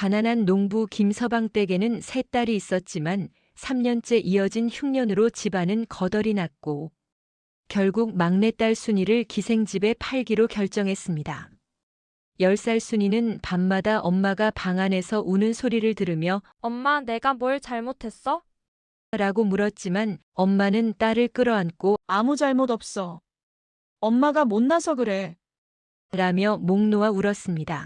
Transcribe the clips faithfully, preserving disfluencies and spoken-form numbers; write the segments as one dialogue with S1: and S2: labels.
S1: 가난한 농부 김서방 댁에는 세 딸이 있었지만 삼 년째 이어진 흉년으로 집안은 거덜이 났고 결국 막내딸 순이를 기생집에 팔기로 결정했습니다. 열 살 순이는 밤마다 엄마가 방 안에서 우는 소리를 들으며
S2: 엄마, 내가 뭘 잘못했어?
S1: 라고 물었지만 엄마는 딸을 끌어안고
S3: 아무 잘못 없어. 엄마가 못나서 그래.
S1: 라며 목 놓아 울었습니다.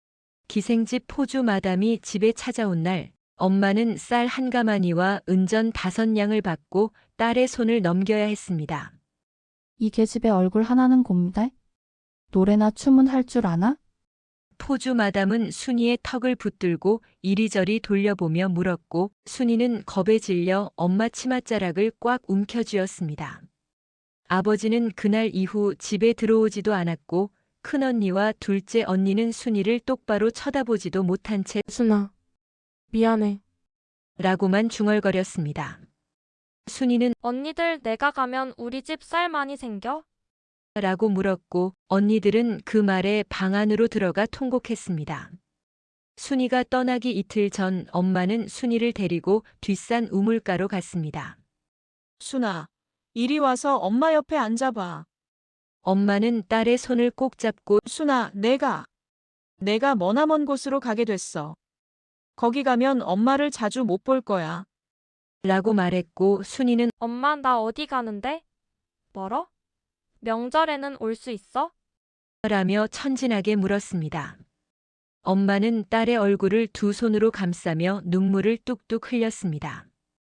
S1: 기생집 포주 마담이 집에 찾아온 날 엄마는 쌀 한 가마니와 은전 다섯 냥을 받고 딸의 손을 넘겨야 했습니다.
S4: 이 계집애 얼굴 하나는 곰데? 노래나 춤은 할 줄 아나?
S1: 포주 마담은 순이의 턱을 붙들고 이리저리 돌려보며 물었고 순이는 겁에 질려 엄마 치맛자락을 꽉 움켜쥐었습니다. 아버지는 그날 이후 집에 들어오지도 않았고 큰언니와 둘째 언니는 순이를 똑바로 쳐다보지도 못한 채
S2: 순아, 미안해.
S1: 라고만 중얼거렸습니다. 순이는
S2: 언니들 내가 가면 우리 집 쌀 많이 생겨?
S1: 라고 물었고 언니들은 그 말에 방 안으로 들어가 통곡했습니다. 순이가 떠나기 이틀 전 엄마는 순이를 데리고 뒷산 우물가로 갔습니다.
S3: 순아, 이리 와서 엄마 옆에 앉아봐.
S1: 엄마는 딸의 손을 꼭 잡고
S3: 순아, 내가, 내가 머나먼 곳으로 가게 됐어. 거기 가면 엄마를 자주 못 볼 거야.
S1: 라고 말했고 순이는
S2: 엄마, 나 어디 가는데? 멀어? 명절에는 올 수 있어?
S1: 라며 천진하게 물었습니다. 엄마는 딸의 얼굴을 두 손으로 감싸며 눈물을 뚝뚝 흘렸습니다.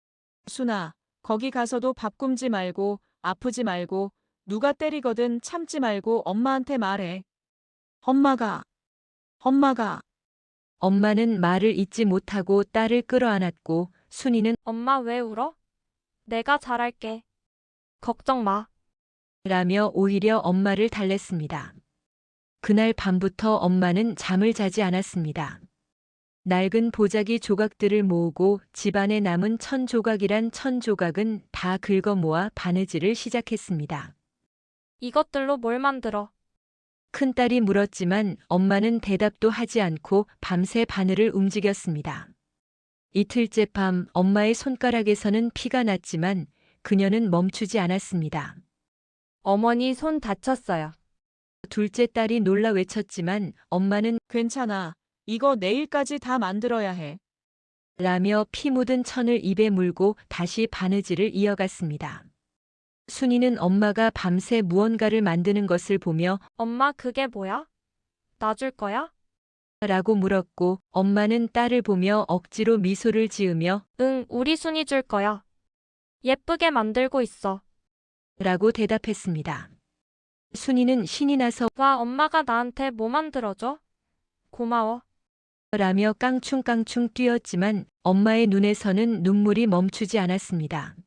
S3: 순아, 거기 가서도 밥 굶지 말고 아프지 말고 누가 때리거든 참지 말고 엄마한테 말해. 엄마가, 엄마가.
S1: 엄마는 말을 잇지 못하고 딸을 끌어안았고 순이는
S2: 엄마 왜 울어? 내가 잘할게. 걱정 마.
S1: 라며 오히려 엄마를 달랬습니다. 그날 밤부터 엄마는 잠을 자지 않았습니다. 낡은 보자기 조각들을 모으고 집안에 남은 천 조각이란 천 조각은 다 긁어 모아 바느질을 시작했습니다.
S2: 이것들로 뭘 만들어?
S1: 큰딸이 물었지만 엄마는 대답도 하지 않고 밤새 바늘을 움직였습니다. 이틀째 밤 엄마의 손가락에서는 피가 났지만 그녀는 멈추지 않았습니다.
S2: 어머니 손 다쳤어요.
S1: 둘째 딸이 놀라 외쳤지만 엄마는
S3: 괜찮아. 이거 내일까지 다 만들어야 해.
S1: 라며 피 묻은 천을 입에 물고 다시 바느질을 이어갔습니다. 순이는 엄마가 밤새 무언가를 만드는 것을 보며
S2: 엄마 그게 뭐야? 놔줄 거야?
S1: 라고 물었고 엄마는 딸을 보며 억지로 미소를 지으며
S2: 응, 우리 순이 줄 거야. 예쁘게 만들고 있어.
S1: 라고 대답했습니다. 순이는 신이 나서
S2: 와, 엄마가 나한테 뭐 만들어줘? 고마워.
S1: 라며 깡충깡충 뛰었지만 엄마의 눈에서는 눈물이 멈추지 않았습니다.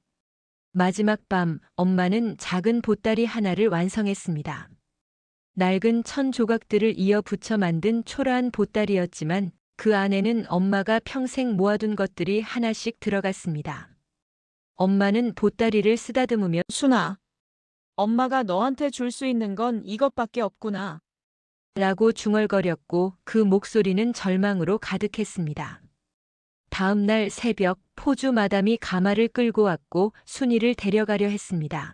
S1: 마지막 밤 엄마는 작은 보따리 하나를 완성했습니다. 낡은 천 조각들을 이어 붙여 만든 초라한 보따리였지만 그 안에는 엄마가 평생 모아둔 것들이 하나씩 들어갔습니다. 엄마는 보따리를 쓰다듬으며
S3: 순아, 엄마가 너한테 줄 수 있는 건 이것밖에 없구나.
S1: 라고 중얼거렸고 그 목소리는 절망으로 가득했습니다. 다음 날 새벽 포주 마담이 가마를 끌고 왔고 순이를 데려가려 했습니다.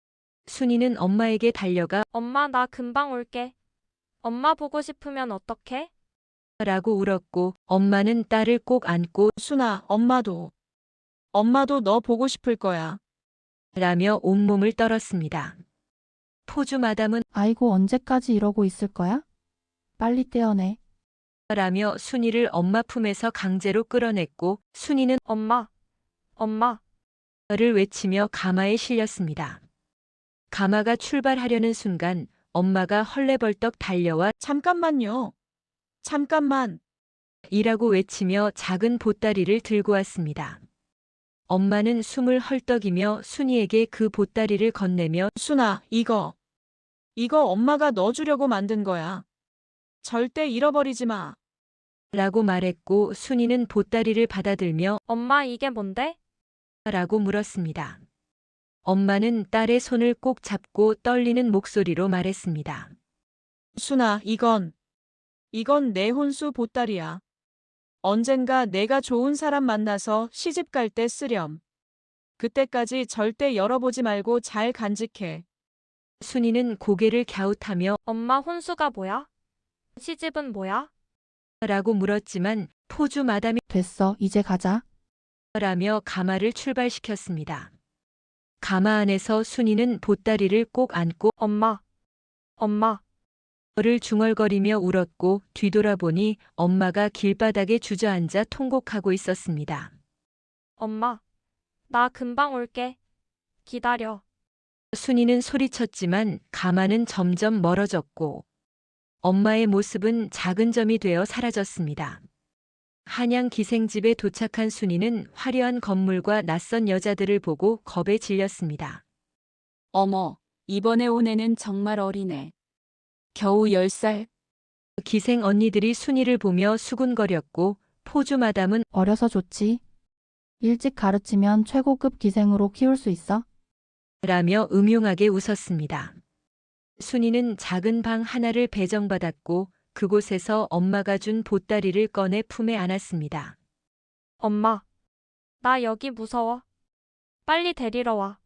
S1: 순이는 엄마에게 달려가
S2: 엄마 나 금방 올게. 엄마 보고 싶으면 어떡해?
S1: 라고 울었고 엄마는 딸을 꼭 안고
S3: 순아, 엄마도. 엄마도 너 보고 싶을 거야.
S1: 라며 온몸을 떨었습니다. 포주 마담은
S4: 아이고 언제까지 이러고 있을 거야? 빨리 떼어내.
S1: 라며 순이를 엄마 품에서 강제로 끌어냈고 순이는
S2: 엄마, 엄마.
S1: 를 외치며 가마에 실렸습니다. 가마가 출발하려는 순간 엄마가 헐레벌떡 달려와
S3: 잠깐만요. 잠깐만.
S1: 이라고 외치며 작은 보따리를 들고 왔습니다. 엄마는 숨을 헐떡이며 순이에게 그 보따리를 건네며
S3: 순아, 이거. 이거 엄마가 너 주려고 만든 거야. 절대 잃어버리지 마.
S1: 라고 말했고 순이는 보따리를 받아들며
S2: 엄마 이게 뭔데?
S1: 라고 물었습니다. 엄마는 딸의 손을 꼭 잡고 떨리는 목소리로 말했습니다.
S3: 순아, 이건. 이건 내 혼수 보따리야. 언젠가 내가 좋은 사람 만나서 시집 갈 때 쓰렴. 그때까지 절대 열어보지 말고 잘 간직해.
S1: 순이는 고개를 갸웃하며
S2: 엄마 혼수가 뭐야? 시집은 뭐야?
S1: 라고 물었지만 포주 마담이
S4: 됐어, 이제 가자.
S1: 라며 가마를 출발시켰습니다. 가마 안에서 순이는 보따리를 꼭 안고
S2: 엄마. 엄마.
S1: 를 중얼거리며 울었고 뒤돌아보니 엄마가 길바닥에 주저앉아 통곡하고 있었습니다.
S2: 엄마. 나 금방 올게. 기다려.
S1: 순이는 소리쳤지만 가마는 점점 멀어졌고 엄마의 모습은 작은 점이 되어 사라졌습니다. 한양 기생집에 도착한 순이는 화려한 건물과 낯선 여자들을 보고 겁에 질렸습니다.
S5: 어머, 이번에 온 애는 정말 어리네. 겨우 열 살.
S1: 기생 언니들이 순이를 보며 수군거렸고 포주 마담은
S4: 어려서 좋지. 일찍 가르치면 최고급 기생으로 키울 수 있어.
S1: 라며 음흉하게 웃었습니다. 순이는 작은 방 하나를 배정받았고 그곳에서 엄마가 준 보따리를 꺼내 품에 안았습니다.
S2: 엄마. 나 여기 무서워. 빨리 데리러 와.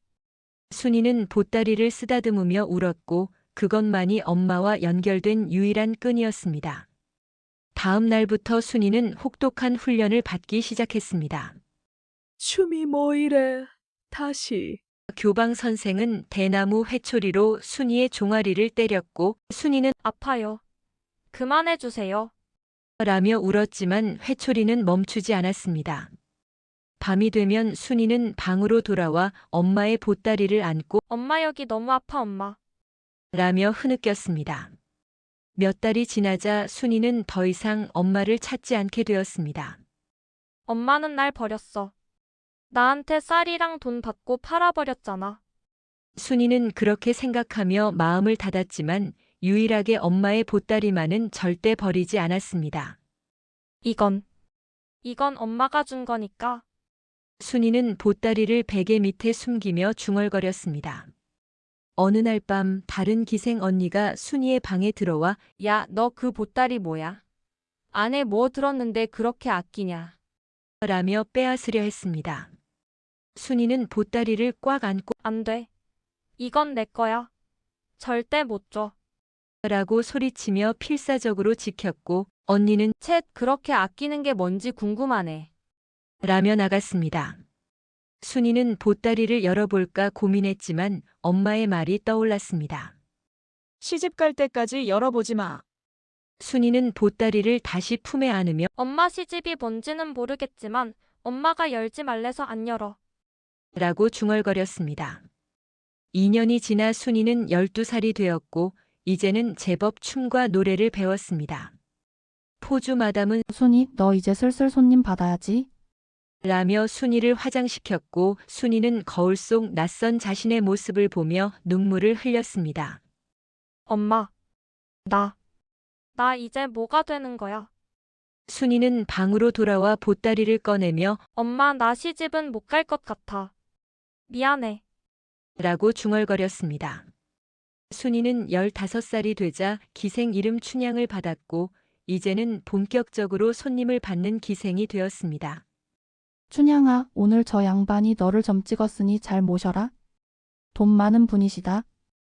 S1: 순이는 보따리를 쓰다듬으며 울었고 그것만이 엄마와 연결된 유일한 끈이었습니다. 다음 날부터 순이는 혹독한 훈련을 받기 시작했습니다.
S6: 춤이 뭐 이래, 다시.
S1: 교방 선생은 대나무 회초리로 순이의 종아리를 때렸고 순이는
S2: 아파요. 그만해 주세요.
S1: 라며 울었지만 회초리는 멈추지 않았습니다. 밤이 되면 순이는 방으로 돌아와 엄마의 보따리를 안고
S2: 엄마 여기 너무 아파 엄마.
S1: 라며 흐느꼈습니다. 몇 달이 지나자 순이는 더 이상 엄마를 찾지 않게 되었습니다.
S2: 엄마는 날 버렸어. 나한테 쌀이랑 돈 받고 팔아버렸잖아.
S1: 순이는 그렇게 생각하며 마음을 닫았지만 유일하게 엄마의 보따리만은 절대 버리지 않았습니다.
S2: 이건. 이건 엄마가 준 거니까.
S1: 순이는 보따리를 베개 밑에 숨기며 중얼거렸습니다. 어느 날 밤 다른 기생 언니가 순이의 방에 들어와
S7: 야, 너 그 보따리 뭐야? 안에 뭐 들었는데 그렇게 아끼냐?
S1: 라며 빼앗으려 했습니다. 순이는 보따리를 꽉 안고
S2: 안 돼. 이건 내 거야. 절대 못 줘.
S1: 라고 소리치며 필사적으로 지켰고 언니는
S7: 쳇, 그렇게 아끼는 게 뭔지 궁금하네.
S1: 라며 나갔습니다. 순이는 보따리를 열어볼까 고민했지만 엄마의 말이 떠올랐습니다.
S3: 시집 갈 때까지 열어보지 마.
S1: 순이는 보따리를 다시 품에 안으며
S2: 엄마 시집이 뭔지는 모르겠지만 엄마가 열지 말래서 안 열어.
S1: 라고 중얼거렸습니다. 이 년이 지나 순이는 열두 살이 되었고 이제는 제법 춤과 노래를 배웠습니다. 포주 마담은
S4: 순이, 너 이제 슬슬 손님 받아야지.
S1: 라며 순이를 화장시켰고 순이는 거울 속 낯선 자신의 모습을 보며 눈물을 흘렸습니다.
S2: 엄마. 나. 나 이제 뭐가 되는 거야?
S1: 순이는 방으로 돌아와 보따리를 꺼내며
S2: 엄마 나 시집은 못 갈 것 같아. 미안해.
S1: 라고 중얼거렸습니다. 순이는 열다섯 살이 되자 기생 이름 춘향을 받았고 이제는 본격적으로 손님을 받는 기생이 되었습니다.
S4: 춘향아, 오늘 저 양반이 너를 점 찍었으니 잘 모셔라. 돈 많은 분이시다.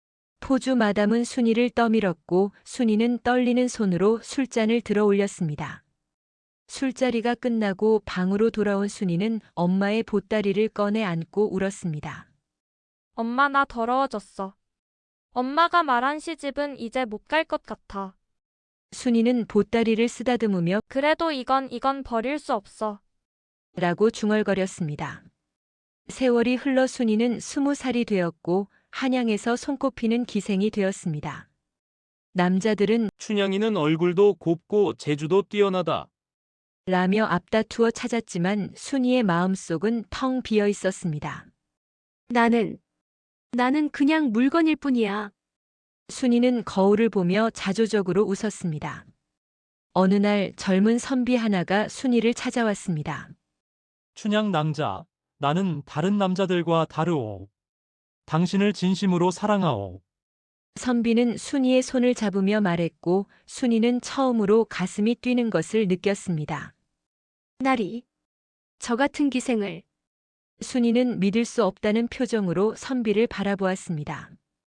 S1: 포주 마담은 순이를 떠밀었고 순이는 떨리는 손으로 술잔을 들어 올렸습니다. 술자리가 끝나고 방으로 돌아온 순이는 엄마의 보따리를 꺼내 안고 울었습니다.
S2: 엄마 나 더러워졌어. 엄마가 말한 시집은 이제 못 갈 것 같아.
S1: 순이는 보따리를 쓰다듬으며
S2: 그래도 이건 이건 버릴 수 없어.
S1: 라고 중얼거렸습니다. 세월이 흘러 순이는 스무 살이 되었고 한양에서 손꼽히는 기생이 되었습니다. 남자들은
S8: 춘향이는 얼굴도 곱고 재주도 뛰어나다.
S1: 라며 앞다투어 찾았지만 순이의 마음속은 텅 비어 있었습니다.
S6: 나는, 나는 그냥 물건일 뿐이야.
S1: 순이는 거울을 보며 자조적으로 웃었습니다. 어느 날 젊은 선비 하나가 순이를 찾아왔습니다.
S8: 춘향 낭자, 나는 다른 남자들과 다르오. 당신을 진심으로 사랑하오.
S1: 선비는 순이의 손을 잡으며 말했고 순이는 처음으로 가슴이 뛰는 것을 느꼈습니다.
S6: 나리. 저 같은 기생을.
S1: 순이는 믿을 수 없다는 표정으로 선비를 바라보았습니다.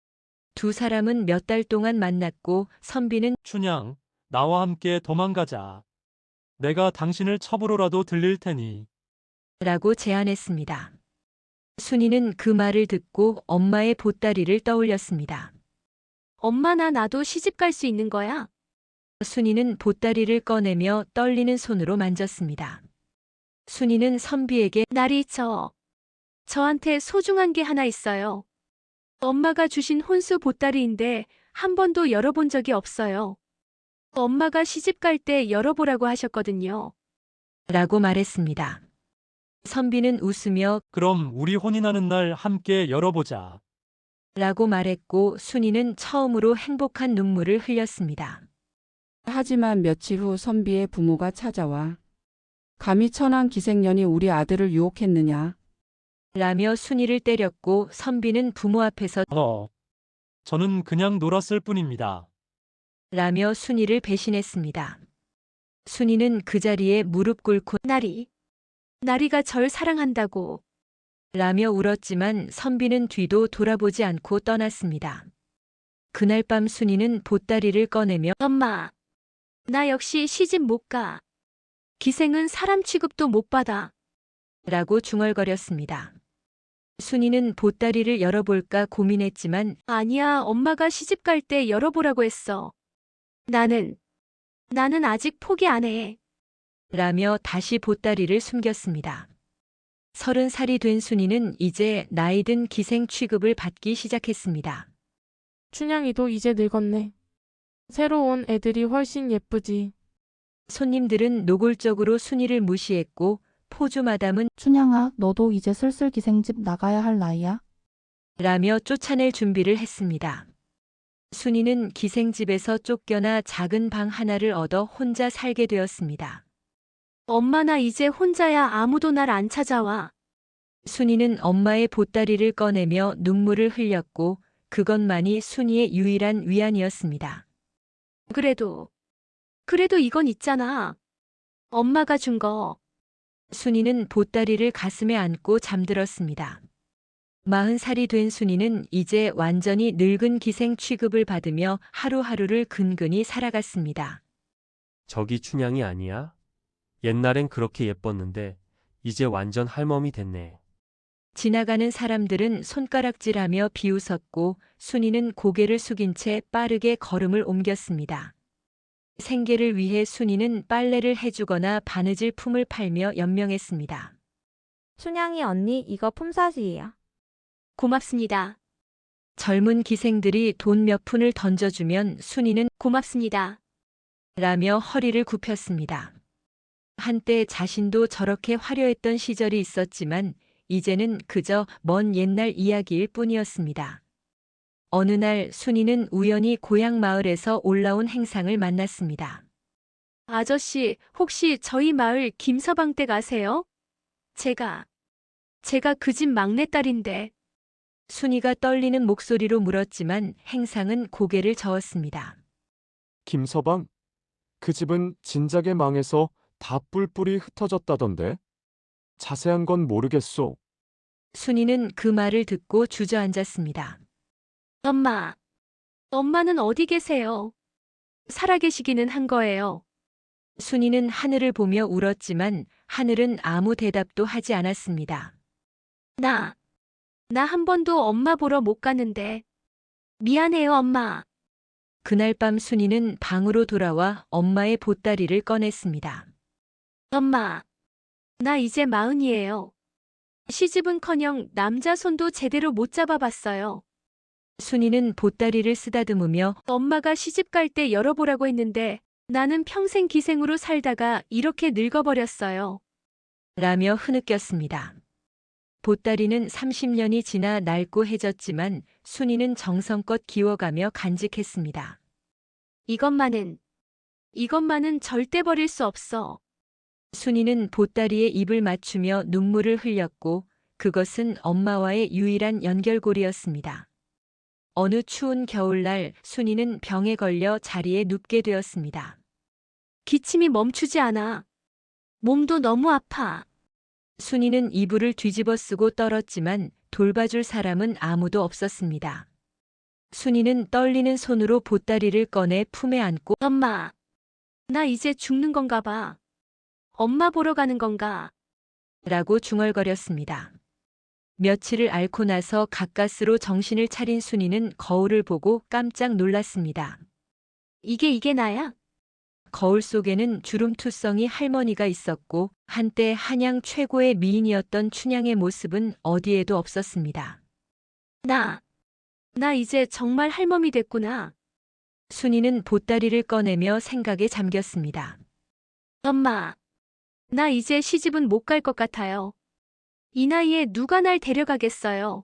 S1: 두 사람은 몇 달 동안 만났고 선비는
S8: 춘향, 나와 함께 도망가자. 내가 당신을 첩으로라도 들릴 테니.
S1: 라고 제안했습니다. 순이는 그 말을 듣고 엄마의 보따리를 떠올렸습니다.
S6: 엄마 나 나도 시집 갈 수 있는 거야?
S1: 순이는 보따리를 꺼내며 떨리는 손으로 만졌습니다. 순이는 선비에게
S6: 나리 저. 저한테 소중한 게 하나 있어요. 엄마가 주신 혼수 보따리인데 한 번도 열어본 적이 없어요. 엄마가 시집 갈 때 열어보라고 하셨거든요.
S1: 라고 말했습니다. 선비는 웃으며
S8: 그럼 우리 혼인하는 날 함께 열어보자.
S1: 라고 말했고 순이는 처음으로 행복한 눈물을 흘렸습니다.
S9: 하지만 며칠 후 선비의 부모가 찾아와 감히 천한 기생년이 우리 아들을 유혹했느냐.
S1: 라며 순이를 때렸고 선비는 부모 앞에서
S8: 어. 저는 그냥 놀았을 뿐입니다.
S1: 라며 순이를 배신했습니다. 순이는 그 자리에 무릎 꿇고
S6: 나리. 나리가 절 사랑한다고.
S1: 라며 울었지만 선비는 뒤도 돌아보지 않고 떠났습니다. 그날 밤 순이는 보따리를 꺼내며
S6: 엄마. 나 역시 시집 못 가. 기생은 사람 취급도 못 받아.
S1: 라고 중얼거렸습니다. 순이는 보따리를 열어볼까 고민했지만
S6: 아니야, 엄마가 시집 갈 때 열어보라고 했어. 나는, 나는 아직 포기 안 해.
S1: 라며 다시 보따리를 숨겼습니다. 서른 살이 된 순이는 이제 나이든 기생 취급을 받기 시작했습니다.
S2: 춘향이도 이제 늙었네. 새로 온 애들이 훨씬 예쁘지.
S1: 손님들은 노골적으로 순이를 무시했고 포주 마담은
S4: 춘향아, 너도 이제 슬슬 기생집 나가야 할 나이야?
S1: 라며 쫓아낼 준비를 했습니다. 순이는 기생집에서 쫓겨나 작은 방 하나를 얻어 혼자 살게 되었습니다.
S6: 엄마 나 이제 혼자야. 아무도 날 안 찾아와.
S1: 순이는 엄마의 보따리를 꺼내며 눈물을 흘렸고 그것만이 순이의 유일한 위안이었습니다.
S6: 그래도, 그래도 이건 있잖아. 엄마가 준 거.
S1: 순이는 보따리를 가슴에 안고 잠들었습니다. 마흔 살이 된 순이는 이제 완전히 늙은 기생 취급을 받으며 하루하루를 근근히 살아갔습니다.
S10: 저기 춘향이 아니야? 옛날엔 그렇게 예뻤는데 이제 완전 할멈이 됐네.
S1: 지나가는 사람들은 손가락질하며 비웃었고 순이는 고개를 숙인 채 빠르게 걸음을 옮겼습니다. 생계를 위해 순이는 빨래를 해주거나 바느질 품을 팔며 연명했습니다.
S7: 춘향이 언니 이거 품삯이에요.
S6: 고맙습니다.
S1: 젊은 기생들이 돈 몇 푼을 던져주면 순이는
S6: 고맙습니다.
S1: 라며 허리를 굽혔습니다. 한때 자신도 저렇게 화려했던 시절이 있었지만 이제는 그저 먼 옛날 이야기일 뿐이었습니다. 어느 날 순이는 우연히 고향 마을에서 올라온 행상을 만났습니다.
S6: 아저씨, 혹시 저희 마을 김서방 댁 아세요? 제가, 제가 그 집 막내딸인데.
S1: 순이가 떨리는 목소리로 물었지만 행상은 고개를 저었습니다.
S11: 김서방? 그 집은 진작에 망해서 다 뿔뿔이 흩어졌다던데? 자세한 건 모르겠소.
S1: 순이는 그 말을 듣고 주저앉았습니다.
S6: 엄마, 엄마는 어디 계세요? 살아계시기는 한 거예요.
S1: 순이는 하늘을 보며 울었지만 하늘은 아무 대답도 하지 않았습니다.
S6: 나, 나 한 번도 엄마 보러 못 갔는데. 미안해요, 엄마.
S1: 그날 밤 순이는 방으로 돌아와 엄마의 보따리를 꺼냈습니다.
S6: 엄마, 나 이제 마흔이에요. 시집은커녕 남자 손도 제대로 못 잡아봤어요.
S1: 순이는 보따리를 쓰다듬으며
S6: 엄마가 시집 갈 때 열어보라고 했는데 나는 평생 기생으로 살다가 이렇게 늙어버렸어요.
S1: 라며 흐느꼈습니다. 보따리는 삼십 년이 지나 낡고 해졌지만 순이는 정성껏 기워가며 간직했습니다.
S6: 이것만은, 이것만은 절대 버릴 수 없어.
S1: 순이는 보따리에 입을 맞추며 눈물을 흘렸고 그것은 엄마와의 유일한 연결고리였습니다. 어느 추운 겨울날 순이는 병에 걸려 자리에 눕게 되었습니다.
S6: 기침이 멈추지 않아. 몸도 너무 아파.
S1: 순이는 이불을 뒤집어 쓰고 떨었지만 돌봐줄 사람은 아무도 없었습니다. 순이는 떨리는 손으로 보따리를 꺼내 품에 안고
S6: 엄마, 나 이제 죽는 건가 봐. 엄마 보러 가는 건가?
S1: 라고 중얼거렸습니다. 며칠을 앓고 나서 가까스로 정신을 차린 순이는 거울을 보고 깜짝 놀랐습니다.
S6: 이게 이게 나야?
S1: 거울 속에는 주름투성이 할머니가 있었고 한때 한양 최고의 미인이었던 춘향의 모습은 어디에도 없었습니다.
S6: 나, 나 이제 정말 할멈이 됐구나.
S1: 순이는 보따리를 꺼내며 생각에 잠겼습니다.
S6: 엄마, 나 이제 시집은 못 갈 것 같아요. 이 나이에 누가 날 데려가겠어요.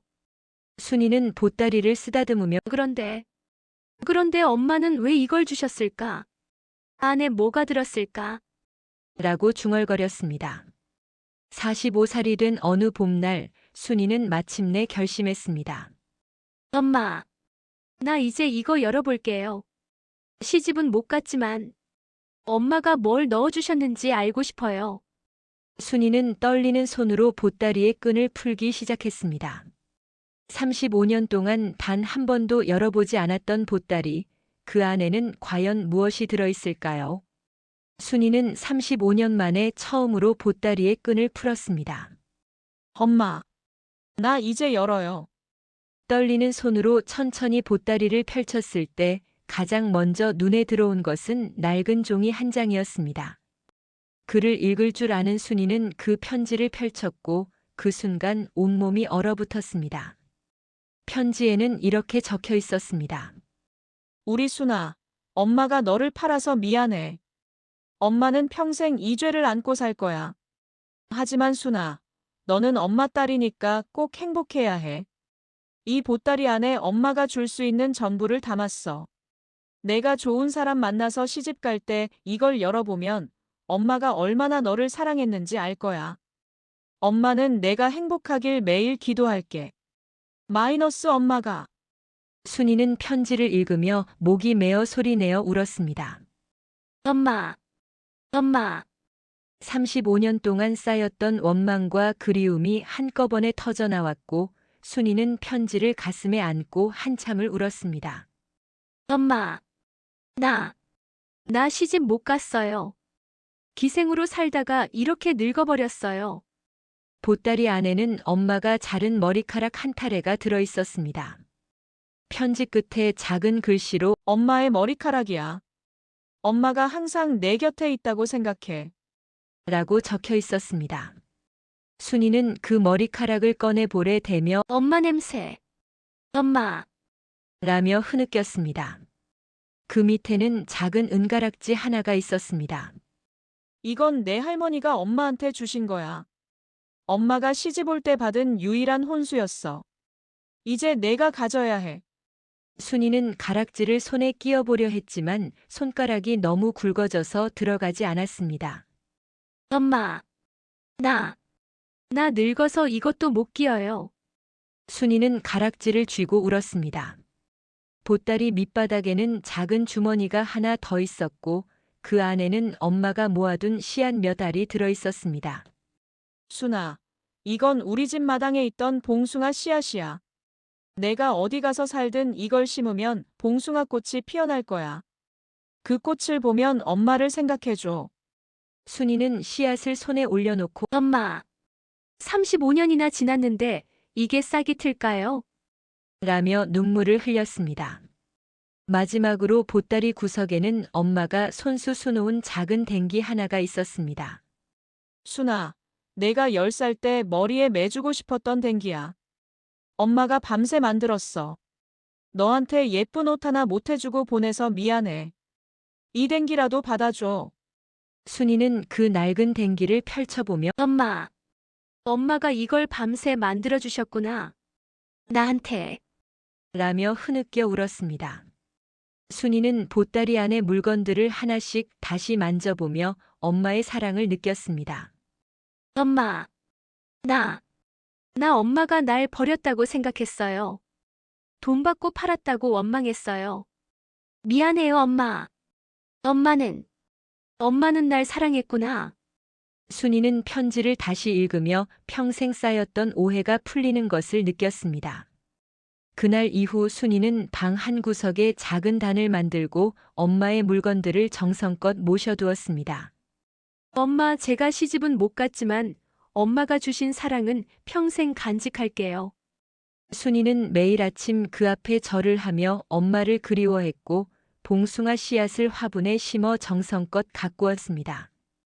S1: 순이는 보따리를 쓰다듬으며
S6: 그런데, 그런데 엄마는 왜 이걸 주셨을까? 안에 뭐가 들었을까?
S1: 라고 중얼거렸습니다. 마흔다섯 살이 된 어느 봄날 순이는 마침내 결심했습니다.
S6: 엄마, 나 이제 이거 열어볼게요. 시집은 못 갔지만 엄마가 뭘 넣어주셨는지 알고 싶어요.
S1: 순이는 떨리는 손으로 보따리의 끈을 풀기 시작했습니다. 삼십오 년 동안 단 한 번도 열어보지 않았던 보따리, 그 안에는 과연 무엇이 들어있을까요? 순이는 삼십오 년 만에 처음으로 보따리의 끈을 풀었습니다.
S3: 엄마, 나 이제 열어요.
S1: 떨리는 손으로 천천히 보따리를 펼쳤을 때 가장 먼저 눈에 들어온 것은 낡은 종이 한 장이었습니다. 글을 읽을 줄 아는 순이는 그 편지를 펼쳤고 그 순간 온몸이 얼어붙었습니다. 편지에는 이렇게 적혀 있었습니다.
S3: 우리 순아, 엄마가 너를 팔아서 미안해. 엄마는 평생 이 죄를 안고 살 거야. 하지만 순아, 너는 엄마 딸이니까 꼭 행복해야 해. 이 보따리 안에 엄마가 줄 수 있는 전부를 담았어. 내가 좋은 사람 만나서 시집 갈 때 이걸 열어보면 엄마가 얼마나 너를 사랑했는지 알 거야. 엄마는 내가 행복하길 매일 기도할게. 마이너스 엄마가.
S1: 순이는 편지를 읽으며 목이 메어 소리내어 울었습니다.
S6: 엄마, 엄마.
S1: 삼십오 년 동안 쌓였던 원망과 그리움이 한꺼번에 터져나왔고 순이는 편지를 가슴에 안고 한참을 울었습니다.
S6: 엄마, 나, 나 시집 못 갔어요. 기생으로 살다가 이렇게 늙어버렸어요.
S1: 보따리 안에는 엄마가 자른 머리카락 한 타래가 들어있었습니다. 편지 끝에 작은 글씨로
S3: 엄마의 머리카락이야. 엄마가 항상 내 곁에 있다고 생각해.
S1: 라고 적혀 있었습니다. 순이는 그 머리카락을 꺼내 볼에 대며
S6: 엄마 냄새. 엄마.
S1: 라며 흐느꼈습니다. 그 밑에는 작은 은가락지 하나가 있었습니다.
S3: 이건 내 할머니가 엄마한테 주신 거야. 엄마가 시집 올 때 받은 유일한 혼수였어. 이제 내가 가져야 해.
S1: 순이는 가락지를 손에 끼워보려 했지만 손가락이 너무 굵어져서 들어가지 않았습니다.
S6: 엄마. 나. 나 늙어서 이것도 못 끼어요.
S1: 순이는 가락지를 쥐고 울었습니다. 보따리 밑바닥에는 작은 주머니가 하나 더 있었고 그 안에는 엄마가 모아둔 씨앗 몇 알이 들어있었습니다.
S3: 순아, 이건 우리 집 마당에 있던 봉숭아 씨앗이야. 내가 어디 가서 살든 이걸 심으면 봉숭아 꽃이 피어날 거야. 그 꽃을 보면 엄마를 생각해줘.
S1: 순이는 씨앗을 손에 올려놓고
S6: 엄마. 삼십오 년이나 지났는데 이게 싹이 틀까요?
S1: 라며 눈물을 흘렸습니다. 마지막으로 보따리 구석에는 엄마가 손수 수놓은 작은 댕기 하나가 있었습니다.
S3: 순아, 내가 열 살 때 머리에 매주고 싶었던 댕기야. 엄마가 밤새 만들었어. 너한테 예쁜 옷 하나 못 해주고 보내서 미안해. 이 댕기라도 받아줘.
S1: 순이는 그 낡은 댕기를 펼쳐보며
S6: 엄마. 엄마가 이걸 밤새 만들어주셨구나. 나한테.
S1: 라며 흐느껴 울었습니다. 순이는 보따리 안의 물건들을 하나씩 다시 만져보며 엄마의 사랑을 느꼈습니다.
S6: 엄마. 나. 나 엄마가 날 버렸다고 생각했어요. 돈 받고 팔았다고 원망했어요. 미안해요, 엄마. 엄마는, 엄마는 날 사랑했구나.
S1: 순이는 편지를 다시 읽으며 평생 쌓였던 오해가 풀리는 것을 느꼈습니다. 그날 이후 순이는 방 한 구석에 작은 단을 만들고 엄마의 물건들을 정성껏 모셔두었습니다.
S6: 엄마, 제가 시집은 못 갔지만 엄마가 주신 사랑은 평생 간직할게요.
S1: 순이는 매일 아침 그 앞에 절을 하며 엄마를 그리워했고 봉숭아 씨앗을 화분에 심어 정성껏 가꾸었습니다.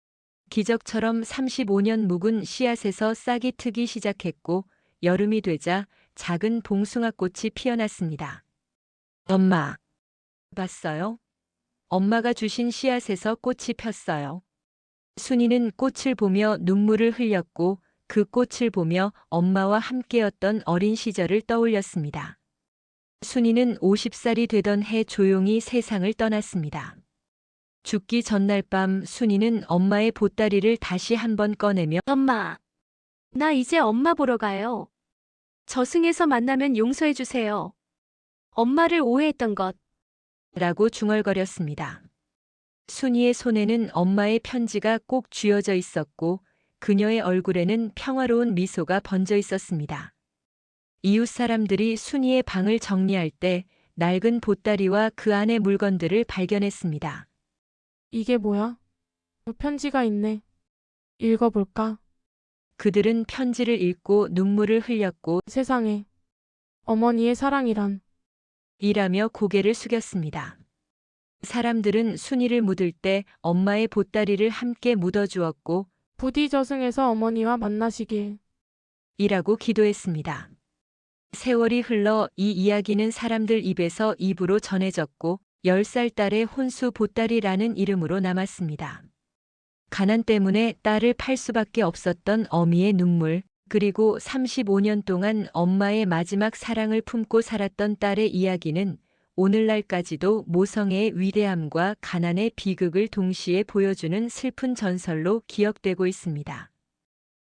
S1: 기적처럼 삼십오 년 묵은 씨앗에서 싹이 트기 시작했고 여름이 되자 작은 봉숭아꽃이 피어났습니다. 엄마, 봤어요? 엄마가 주신 씨앗에서 꽃이 폈어요. 순이는 꽃을 보며 눈물을 흘렸고 그 꽃을 보며 엄마와 함께였던 어린 시절을 떠올렸습니다. 순이는 오십 살이 되던 해 조용히 세상을 떠났습니다. 죽기 전날 밤 순이는 엄마의 보따리를 다시 한번 꺼내며
S6: 엄마, 나 이제 엄마 보러 가요. 저승에서 만나면 용서해 주세요. 엄마를 오해했던 것.
S1: 라고 중얼거렸습니다. 순이의 손에는 엄마의 편지가 꼭 쥐어져 있었고 그녀의 얼굴에는 평화로운 미소가 번져 있었습니다. 이웃 사람들이 순이의 방을 정리할 때 낡은 보따리와 그 안의 물건들을 발견했습니다.
S2: 이게 뭐야? 편지가 있네. 읽어볼까?
S1: 그들은 편지를 읽고 눈물을 흘렸고
S2: 세상에. 어머니의 사랑이란.
S1: 이라며 고개를 숙였습니다. 사람들은 순이를 묻을 때 엄마의 보따리를 함께 묻어주었고
S2: 부디 저승에서 어머니와 만나시길.
S1: 이라고 기도했습니다. 세월이 흘러 이 이야기는 사람들 입에서 입으로 전해졌고 열 살 딸의 혼수 보따리라는 이름으로 남았습니다. 가난 때문에 딸을 팔 수밖에 없었던 어미의 눈물, 그리고 삼십오 년 동안 엄마의 마지막 사랑을 품고 살았던 딸의 이야기는 오늘날까지도 모성애의 위대함과 가난의 비극을 동시에 보여주는 슬픈 전설로 기억되고 있습니다.